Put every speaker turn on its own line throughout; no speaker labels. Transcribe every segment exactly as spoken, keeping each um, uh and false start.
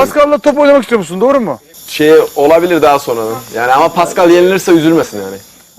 Pascal'la top oynamak istiyor musun? Doğru mu?
Şey olabilir daha sonra. Yani ama Pascal yenilirse üzülmesin yani.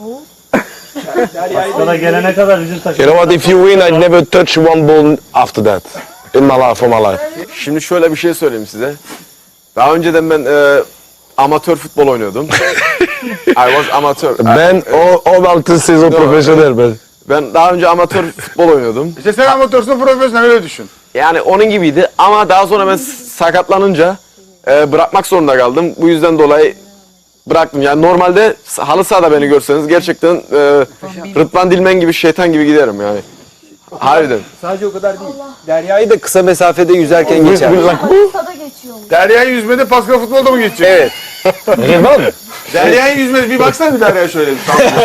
Sana gelene kadar bizim takım.
You know what? If you win, I never touch one ball after that in my life, for my life.
Şimdi şöyle bir şey söyleyeyim size. Daha önceden ben e, amatör futbol oynuyordum. I was amatör.
Ben o o altı sezon profesyonel ben.
Ben daha önce amatör futbol oynuyordum.
İşte sen amatörsün, profesyonel, öyle düşün.
Yani onun gibiydi ama daha sonra ben sakatlanınca e, bırakmak zorunda kaldım. Bu yüzden dolayı bıraktım. Yani normalde halı sahada beni görseniz gerçekten e, Rıdvan Dilmen gibi, şeytan gibi giderim yani. Harbiden.
Sadece o kadar değil. Derya'yı da kısa mesafede yüzerken geçer.
Sada geçiyormuş.
Derya'yı yüzmede, Pascal futbolda mı geçecek?
Evet.
Derya'yı yüzmede, bir baksana bir Derya'ya şöyle.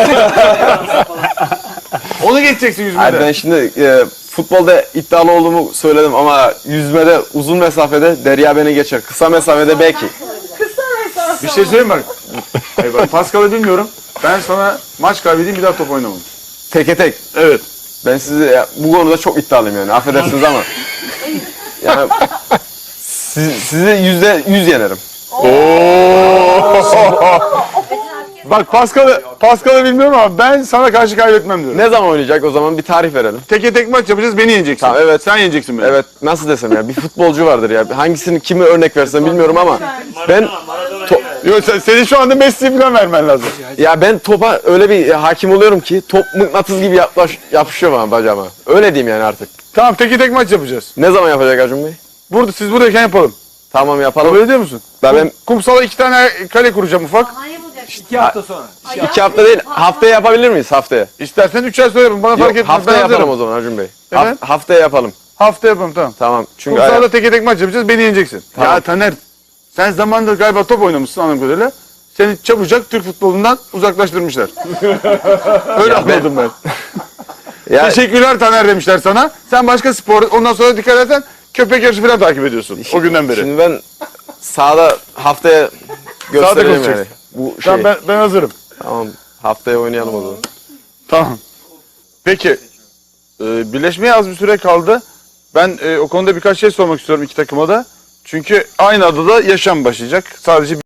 Onu geçeceksin yüzmede.
Hayır, ben şimdi e, futbolda iddialı olduğumu söyledim ama yüzmede, uzun mesafede Derya beni geçer. Kısa mesafede belki.
Bir şey söyleyeyim bak. Hayır bak, Pascal'ı bilmiyorum. Ben sana maç kaybedeyim, bir daha top oynamam.
Teke tek.
Evet.
Ben sizi ya, bu konuda çok iddialıyım yani. Affedersiniz ama. Yani siz, sizi yüzde yüz yenerim.
Bak Pascal'ı Pascal'ı bilmiyorum ama ben sana karşı kaybetmem diyorum.
Ne zaman oynayacak o zaman bir tarih verelim.
Teke tek maç yapacağız, beni yeneceksin.
Tamam, evet.
Sen yeneceksin beni.
Evet, nasıl desem ya, bir futbolcu vardır ya. Hangisini kimi örnek versem bilmiyorum ama ben
Yok, sen, senin şu anda Messi'yi falan vermen lazım.
ya ben topa öyle bir hakim oluyorum ki top mıknatıs gibi yaklaş, yapışıyor bana bacağıma. Öyle diyeyim yani artık.
Tamam, teke tek maç yapacağız.
Ne zaman yapacak Acun Bey?
Burada, siz buradayken yapalım.
Tamam yapalım.
Kabul ediyor musun?
Ben, ben
Kumsala iki tane kale kuracağım ufak.
Hayır bulacak.
İki hafta sonra.
iki hafta değil, haftaya yapabilir miyiz haftaya?
İstersen üç ay sonra yapalım. Bana fark
Yok,
etmez.
haftaya
Ben
yapalım
hazırım.
o zaman Acun Bey.
Evet.
Ha- haftaya yapalım.
Hafta yapalım, tamam.
Tamam. Çünkü
Kumsalda teke tek maç yapacağız, beni yeneceksin.
Tamam.
Ya Taner, sen zamanında galiba top oynamışsın anladığım kadarıyla. Seni çabucak Türk futbolundan uzaklaştırmışlar. Öyle anladım ben.
ya,
Teşekkürler Taner demişler sana. Sen başka spor, ondan sonra dikkat edersen köpek yarışı falan takip ediyorsun o günden beri.
Şimdi ben sahada haftaya göstereyim yani.
konuşacaksın.
Bu şey.
Tamam, ben, ben hazırım.
Tamam. Haftaya oynayalım o zaman.
Tamam. Peki, e, birleşmeye az bir süre kaldı. Ben e, o konuda birkaç şey sormak istiyorum iki takıma da. Çünkü aynı adada yaşam başlayacak. Sadece